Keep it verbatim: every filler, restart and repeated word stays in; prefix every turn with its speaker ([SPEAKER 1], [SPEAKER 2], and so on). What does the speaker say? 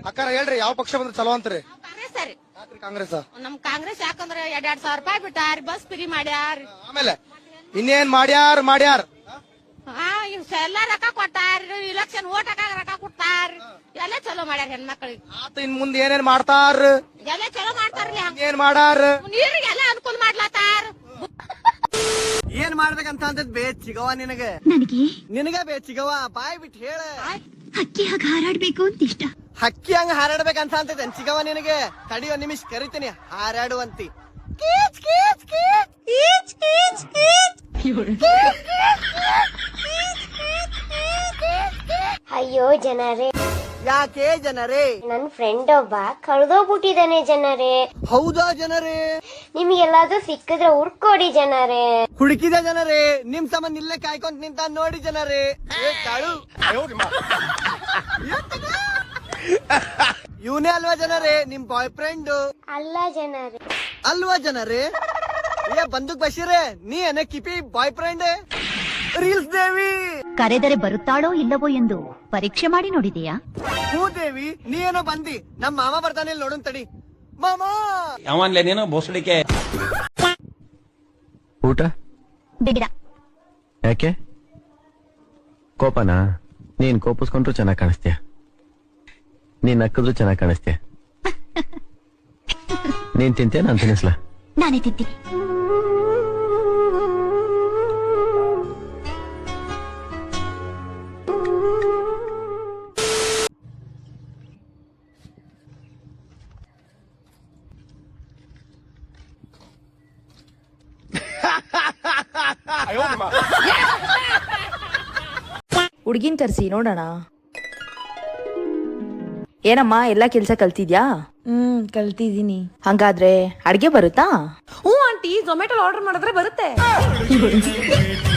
[SPEAKER 1] ಅಕ್ಕಾರ ಹೇಳ್ರಿ ಯಾವ ಪಕ್ಷ ಬಂದ್ರೆ ಚಲೋ ಅಂತ್ರಿ?
[SPEAKER 2] ಕಾಂಗ್ರೆಸ್ ರೀ.
[SPEAKER 1] ಯಾಕ್ರಿ ಕಾಂಗ್ರೆಸ್?
[SPEAKER 2] ನಮ್ ಕಾಂಗ್ರೆಸ್ ಯಾಕಂದ್ರೆ ಎರಡ್ ಎರಡ್ ಸಾವಿರ ರೂಪಾಯಿ ಬಿಟ್ಟಾರ, ಬಸ್ ಫ್ರೀ ಮಾಡ್ಯಾರ.
[SPEAKER 1] ಆಮೇಲೆ ಇನ್ನೇನ್ ಮಾಡ್ಯಾರ ಮಾಡ್ಯಾರ
[SPEAKER 2] ಹಾ ಎಲ್ಲಾ ರೊಕ್ಕ ಕೊಟ್ಟಾರ, ಇಲೆಕ್ಷನ್ ಓಟ್ ಹಾಕಾಗ ರೊಕ್ಕ ಕೊಟ್ಟಾರ, ಎಲ್ಲ ಚಲೋ ಮಾಡ್ಯಾರ ಹೆಣ್ಮಕ್ಳಿಗೆ.
[SPEAKER 1] ಆತ ಇನ್ ಮುಂದೆ ಏನೇನ್ ಮಾಡ್ತಾರ?
[SPEAKER 2] ಎಲ್ಲ ಚಲೋ ಮಾಡ್ತಾರ್ಲಿ.
[SPEAKER 1] ಏನ್ ಮಾಡಾರ?
[SPEAKER 2] ನೀರಿಗೆಲ್ಲ ಅನುಕೂಲ ಮಾಡ್ಲಾತಾರ.
[SPEAKER 3] ಏನ್ ಮಾಡ್ಬೇಕಂತ ಅಂತ ಬೇ ಚಿಗವ ನಿನಗೆ
[SPEAKER 4] ನನಗೆ
[SPEAKER 3] ನಿನಗ ಬೇ ಚಿಗವ ಬಾಯ್ ಬಿಟ್ಟು ಹೇಳ.
[SPEAKER 4] ಹಕ್ಕಿ ಹಾಗೆ ಹಾರಾಡ್ಬೇಕು ಅಂತ ಇಷ್ಟ.
[SPEAKER 3] ಹಕ್ಕಿ ಹಂಗ ಹಾರಾಡ್ಬೇಕಂತ ಅಂತ ಚಿಗವ ನಿನಗೆ. ತಡಿ ಒಂದ್ ನಿಮಿಷ ಕರಿತೀನಿ, ಹಾರಾಡುವಂತಿ.
[SPEAKER 5] ಅಯ್ಯೋ ಜನರೇ,
[SPEAKER 3] ಯಾಕೆ ಜನರೇ?
[SPEAKER 5] ನನ್ ಫ್ರೆಂಡ್ ಒಬ್ಬ ಕಳ್ದೋಗ್ಬಿಟ್ಟಿದಾನೆ ಜನರೇ.
[SPEAKER 3] ಹೌದಾ ಜನರೇ?
[SPEAKER 5] ನಿಮ್ಗೆಲ್ಲಾದ್ರೂ ಸಿಕ್ಕಿದ್ರೆ ಹುಡ್ಕೊಡಿ ಜನರೇ.
[SPEAKER 3] ಹುಡುಕಿದ ಜನರೇ, ನಿಮ್ ಸಂಬಂಧ ಇಲ್ಲೇ ಕಾಯ್ಕೊಂತ ನಿಂತ ನೋಡಿ ಜನರೇ. ಏ ಕಾಳು, ಇವನೇ ಅಲ್ವಾ ಜನರೇ ನಿಮ್ ಬಾಯ್ ಫ್ರೆಂಡ್?
[SPEAKER 5] ಅಲ್ಲ ಜನರೇ.
[SPEAKER 3] ಅಲ್ವಾ ಜನರೇ? ಏ ಬಂದೂಕ್ ಬಶೀರೇ, ನೀ ಏನ ಕಿಪಿ ಬಾಯ್ ಫ್ರೆಂಡ್? ರೀಲ್ಸ್ ದೇವಿ
[SPEAKER 4] ಕರೆದರೆ ಬರುತ್ತಾಳೋ ಇಲ್ಲವೋ ಎಂದು ಪರೀಕ್ಷೆ ಮಾಡಿ ನೋಡಿದೆಯಾ?
[SPEAKER 3] ಹೂ ದೇವಿ, ನೀ ಏನೋ ಬಂದಿ. ನಮ್ ಮಾಮ ಬರ್ತಾನೆ, ಇಲ್ಲಿ ನೋಡೋನ್ ತಡಿ. ಮಾಮ
[SPEAKER 6] ಯಾವನ್ಲೆ ನೀನು ಬೋಸಡಿಕೆ?
[SPEAKER 7] ಊಟ
[SPEAKER 4] ಬೇಡ.
[SPEAKER 7] ಯಾಕೆ? ಕೋಪನಾ? ನೀನ್ ಕೋಪಿಸ್ಕೊಂಡ್ರು ಚೆನ್ನಾಗ್ ಕಾಣಿಸ್ತೀಯ, ನೀನ್ ನಕ್ಕಿದ್ರು ಚೆನ್ನಾಗ್ ಕಾಣಿಸ್ತೀಯ. ನೀನ್ ತಿಂತೀಯ, ನಾನ್ ತಿನ್ನಿಸ್ಲಾ?
[SPEAKER 4] ನಾನೇ ತಿಂತೀನಿ.
[SPEAKER 8] ಹುಡ್ಗಿನ್ ಕರ್ಸಿ ನೋಡೋಣ. ಏನಮ್ಮ ಎಲ್ಲಾ ಕೆಲ್ಸ ಕಲ್ತಿದ್ಯಾ?
[SPEAKER 9] ಹ್ಮ್ ಕಲ್ತಿದೀನಿ.
[SPEAKER 8] ಹಂಗಾದ್ರೆ ಅಡ್ಗೆ ಬರುತ್ತಾ?
[SPEAKER 9] ಹ್ಞೂ ಆಂಟಿ, ಝೊಮ್ಯಾಟೊ ಆರ್ಡರ್ ಮಾಡಿದ್ರೆ ಬರುತ್ತೆ.